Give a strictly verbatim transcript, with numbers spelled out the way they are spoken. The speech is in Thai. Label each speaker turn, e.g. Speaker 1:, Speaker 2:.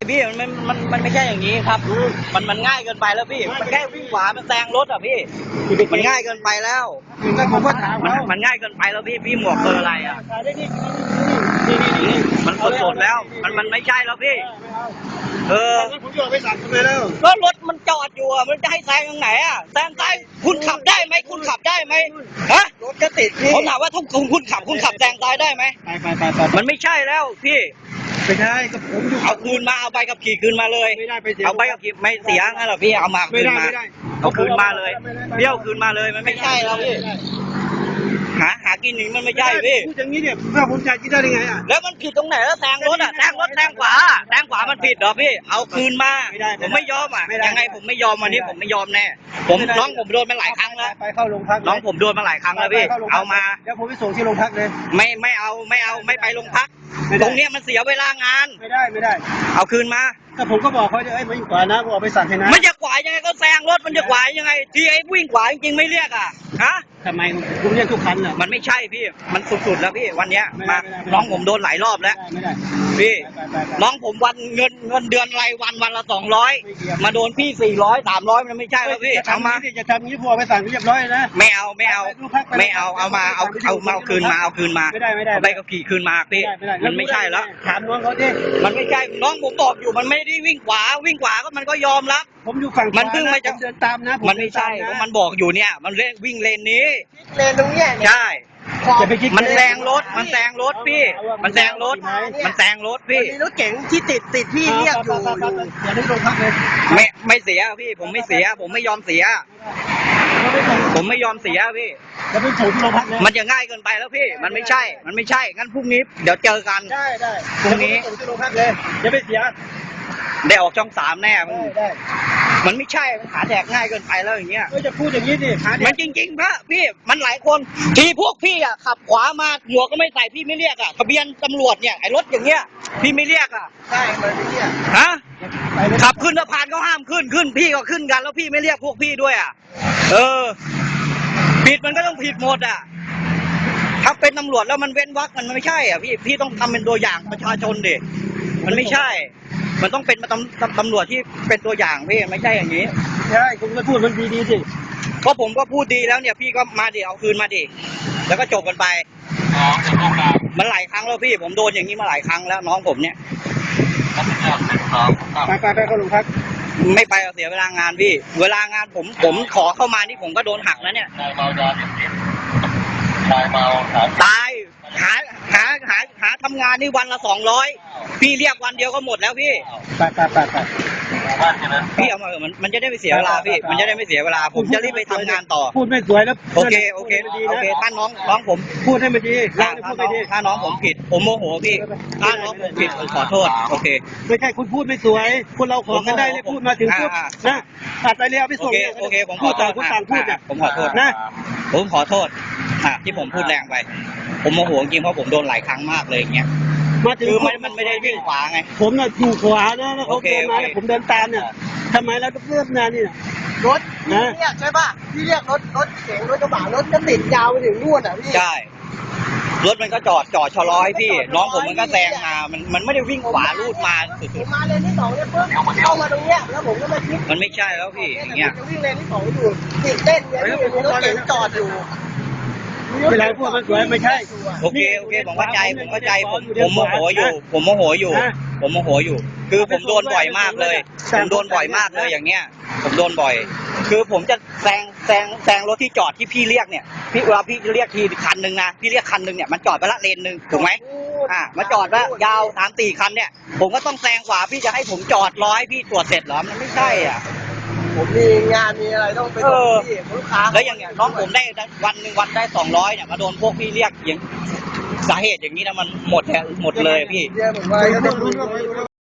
Speaker 1: พี่มันมันมันมันไม่ใช่อย่างนี้ครับมันมันง่ายเกินไปแล้วพี่มันแค่วิ่งขวามันแซงรถอ่ะพี่มันง่ายเกินไปแล้ว
Speaker 2: ผมก็ถาม
Speaker 1: มัน
Speaker 2: เขา
Speaker 1: มันง่ายเกินไปแล้วพี่พี่หมวกเบอร์อะไรอ่ะ
Speaker 2: นี่นี่นี่
Speaker 1: มันสดสดแล้ว มันมันไม่ใช่แล้วพี่เออ
Speaker 2: ผมจะไปสั่งทำไมแล้ว
Speaker 1: ก็รถมันจอดอยู่อ่ะมันจะให้แซงตรงไหนอ่ะแซงซ้ายคุณขับได้ไหมคุณขับได้ไหมฮะ
Speaker 2: รถก็ติดพี่
Speaker 1: ผมถามว่าถ้าคุณคุณขับคุณขับแซงซ้ายได้ไหม
Speaker 2: ไปไปไปไป
Speaker 1: มันไม่ใช่แล้วพี่
Speaker 2: ไม่ใช่ก็ผมอยู่
Speaker 1: เอาคืนมาเอาใบขับขี่คืนมาเลย
Speaker 2: ไม่ได้ไปเสีย
Speaker 1: เอาใบขับขี่ไม่เสียงั้นเหรอพี่เอามา
Speaker 2: ไม่
Speaker 1: คืน
Speaker 2: ได้
Speaker 1: มา
Speaker 2: ไม่ได้
Speaker 1: เอาคืนมาเลยพี่เอาคืนมาเลยมันไม่ใช่แล้วพี่หาหากินหนึ่งมันไม่ใช่พี่
Speaker 2: พูดอย่างนี้เนี่ยเพื่อผมจะกินได้ยังไงอ่ะ
Speaker 1: แล้วมันผิดตรงไหนแล้วแซงรถอ่ะแซงรถแซงขวาแซงขวามันผิดเหรอพี่เอาคืนมาผมไม่ยอมอ่ะยังไงผมไม่ยอมวันนี้ผมไม่ยอมแน่ผมน้องผมโดนมาหลายครั้งแล้ว
Speaker 2: ไปเข้าโรงพัก
Speaker 1: น้องผมโดนมาหลายครั้งแล้วพี่เอามา
Speaker 2: เดี๋ยวผมไปส่งที่โรงพักเลย
Speaker 1: ไม่ไม่เอาไม่เอาไม่ไปโรงพักตรงเนี้ยมันเสียเวลางาน
Speaker 2: ไม่ได้ไม่ได้
Speaker 1: เอาคืนมา
Speaker 2: ถ้าผมก็บอกเขาจะเอ้ยมาอยู่ขวานะผมเอาไปสั่งให้นะ
Speaker 1: มันจะขวายังไงก็แซงรถมันจะขวายังไงที่ไอ้วิ่งขวาจริงๆไม่เรียกอ่ะฮะ
Speaker 2: ทำไมผมเรียกทุกคันอ่ะ
Speaker 1: มันไม่ใช่พี่มันสุดๆแล้วพี่วันเนี้ย
Speaker 2: ไม่ได้
Speaker 1: มา
Speaker 2: ไม่ได้
Speaker 1: น้องผมโดนหลายรอบแล้ว
Speaker 2: ไม่ได้
Speaker 1: พี่
Speaker 2: ไปไปไป
Speaker 1: น้องผมวันเงินเงินเดือนรายวันวันละสองร้อยมาโดนพี่สี่ร้อยสามร้อยมันไม่ใช่แล้วพี่
Speaker 2: จะ
Speaker 1: เอา
Speaker 2: ทำ
Speaker 1: มา
Speaker 2: นี้จะทำนี้พอไปสั่งเรียบร้อยนะ
Speaker 1: ไม่เอาไม่เอาไม่เอาเอามาเอาเอามาเอาคืนมาเอาคืนมา
Speaker 2: ไม่ได้ไม่ได้
Speaker 1: เอาใบขับขี่คืนมาพี่มันไม่ใช่แล้ว
Speaker 2: ถามน้องเขาดิ
Speaker 1: มันไม่ใช่น้องผมบอกอยู่มันไม่ได้วิ่งขวาวิ่งขวาก็มันก็ยอมรับ
Speaker 2: ผมอยู่ฝั่ง
Speaker 1: มันเพิ่งมาจาก
Speaker 2: เดินตามนะ
Speaker 1: มันไม่ใช่เพราะมันบอกอยู่เนี่ย มันเล่นวิ่งเลนนี้
Speaker 2: เลนตรงเนี้ย
Speaker 1: ใช่
Speaker 2: จะไปคิด
Speaker 1: มันแซงรถมันแซงรถพี่ มันแซงรถมันแซงรถพี่
Speaker 2: มีรถเก๋งที่ติดติดพี่เรียกอยู่อย่าได้ลงพักเลย
Speaker 1: ไม่ไม่เสียพี่ผมไม่เสีย ผมไม่ยอมเสีย ผมไม่ยอมเสียพี่
Speaker 2: จะไปส่งที่โรงพักเลย
Speaker 1: มันจะง่ายเกินไปแล้วพี่ มันไม่ใช่ มันไม่ใช่งั้นพรุ่งนี้เดี๋ยวเจอกัน
Speaker 2: ได้ได้
Speaker 1: พรุ่งนี้
Speaker 2: ส่งที่โรงพักเลยอย่าไปเสีย
Speaker 1: ได้ออกช่องสามแน่มัน
Speaker 2: ได้ได้
Speaker 1: มันไม่ใช่มันขาแดกง่ายเกินไปแล้วอย่างเงี้ย
Speaker 2: เออจะพูดอย่างนี้ดิหา
Speaker 1: มันจริงๆพระพี่มันหลายคนทีพวกพี่อ่ะขับขวามาหมวกก็ไม่ใส่พี่ไม่เรียกอ่ะทะเบียนตำรวจเนี่ยไอ้รถอย่างเงี้ยพี่ไม่เรียกอ่ะ
Speaker 2: ใช่เหมือนเนี่ย
Speaker 1: ฮะขับขึ้นสะพานก็ห้ามขึ้นขึ้นพี่ก็ขึ้นกันแล้วพี่ไม่เรียกพวกพี่ด้วยอ่ะเออผิดมันก็ต้องผิดหมดอ่ะถ้าเป็นตำรวจแล้วมันเว้นวรรคมันไม่ใช่อ่ะพี่พี่ต้องทำเป็นตัวอย่างประชาชนดิมันไม่ใช่ มันต้องเป็นตำตำตำรวจที่เป็นตัวอย่างพี่ไม่ใช่อย่างนี้
Speaker 2: ใช่คุณก็พูดมันดีดีๆสิ
Speaker 1: เพราะผมก็พูดดีแล้วเนี่ยพี่ก็มาดิเอาคืนมาดิแล้วก็จบกันไปมันหลายครั้งแล้วพี่ผมโดนอย่างนี้มาหลายครั้งแล้วน้องผมเนี่ย
Speaker 2: ไปไปไปเข้าโรงพัก
Speaker 1: ไม่ไปเอาเสียเวลางานพี่ เวลางานผมผมขอเข้ามานี่ผมก็โดนหักแล้วเนี่ยตายหาหาหาหาทำงานนี่วันละสองร้อยพี่เรียกวันเดียวก็หมดแล้วพี่
Speaker 2: ไปไปไปไป
Speaker 1: พี่เอามาเถอะมันมันจะได้ไม่เสียเวลาพี่ มันจะได้ไม่เสียเวลาผมจะรีบไปทำงานต่อ
Speaker 2: พูดไม่สวยแล้ว
Speaker 1: โอเคโอเคโอเคถ้าน้องน้องผม
Speaker 2: พูดให้มันดี
Speaker 1: ถ้า
Speaker 2: เรา
Speaker 1: ถ้า
Speaker 2: เนี่ยพูด
Speaker 1: น้
Speaker 2: ไม่
Speaker 1: อง
Speaker 2: ดี
Speaker 1: ถ้าน้องผมผิดผมโมโหพี่ถ้าน้องผมผิดผมขอโทษโอเค
Speaker 2: ไม่ใช่คุณพูดไม่สวยคนเราขอกันได้เลยพูดมาถึงปุ๊บ
Speaker 1: อ่า
Speaker 2: นะตัดไปเลยเอาไป
Speaker 1: โอ
Speaker 2: ส่ง
Speaker 1: เค
Speaker 2: นี่ย
Speaker 1: โอเคผมข
Speaker 2: พู
Speaker 1: อ
Speaker 2: ด
Speaker 1: โท
Speaker 2: ต่าง
Speaker 1: ษ
Speaker 2: คนต่างพูด
Speaker 1: อ่ะ
Speaker 2: อ่ะ
Speaker 1: ผมขอโทษ
Speaker 2: นะ
Speaker 1: ผมขอโทษอ่ะที่ผมพูดแรงไป ผมโมโหจริงเพราะผมโดนหลายครั้งมากเลยอย่างเงี้ย
Speaker 2: มาถึง
Speaker 1: คือมันมันไม่ได้วิ่งขวาไง
Speaker 2: ผมน่ะอยู่ขวานะแล้วเขา
Speaker 1: โอเค
Speaker 2: เดินมา
Speaker 1: โอเค
Speaker 2: แล้วผมเดินตามเนี่ยทำไมเราต้องเริ่มงานนี่น่ะ
Speaker 3: รถพี่เรียกใช่ป่ะพี่เรียกรถรถเก๋งรถกระบะรถก็ติดยาวไปถึงนู่นอ่ะพี่
Speaker 1: ใช่รถมันก็จอดจอดชะลอให้พี่ น้องผมมันก็แซงมามันมันไม่ได้วิ่งขวาลูดมา
Speaker 3: ผ
Speaker 1: สุด
Speaker 3: มมาเลนที่สองเนี่ยปุ๊บเข้ามาตรงเนี้ยแล้วผมก็มาคิด
Speaker 1: ๆมันไม่ใช่แล้วพี่อย่าง
Speaker 3: ผ
Speaker 1: เงี้ย
Speaker 3: มจะวิ่งเลนที่สองอยู่ติดเต้นเนี่ยพี่มีรถเก๋งจอดอยู่
Speaker 2: เวลาพูดมันสวยไม่ใช่
Speaker 1: โอเคโอเคผมเข้าใจผมเข้าใจผมผมโมโหอยู่ ผมโมโหอยู่ ผมโมโหอยู่ คือผมโดนบ่อยมากเลย ผมโดนบ่อยมากเลยอย่างเงี้ย ผมโดนบ่อย คือผมจะแซงแซงแซงรถที่จอดที่พี่เรียกเนี่ย พี่เวลาพี่เรียกทีคันหนึ่งนะ พี่เรียกคันหนึ่งเนี่ยมันจอดไปละเลนหนึ่งถูกไหมอ่ามาจอดว่ายาวสามสี่คันเนี่ย ผมก็ต้องแซงขวาพี่จะให้ผมจอดร้อยพี่ตรวจเสร็จเหรอ มันไม่ใช่อ่ะ
Speaker 3: ผมมีงานมีอะไรต้องไปส่งพี่ลูกค้า
Speaker 1: แล้วอย่างเงี้ยน้องผมได้วันหนึ่งวันได้สองร้อยเนี่ยมาโดนพวกพี่เรียกอย่างสาเหตุอย่างนี้นะมันหมดแหละหมดเลยพี่
Speaker 3: เรียกผมว่า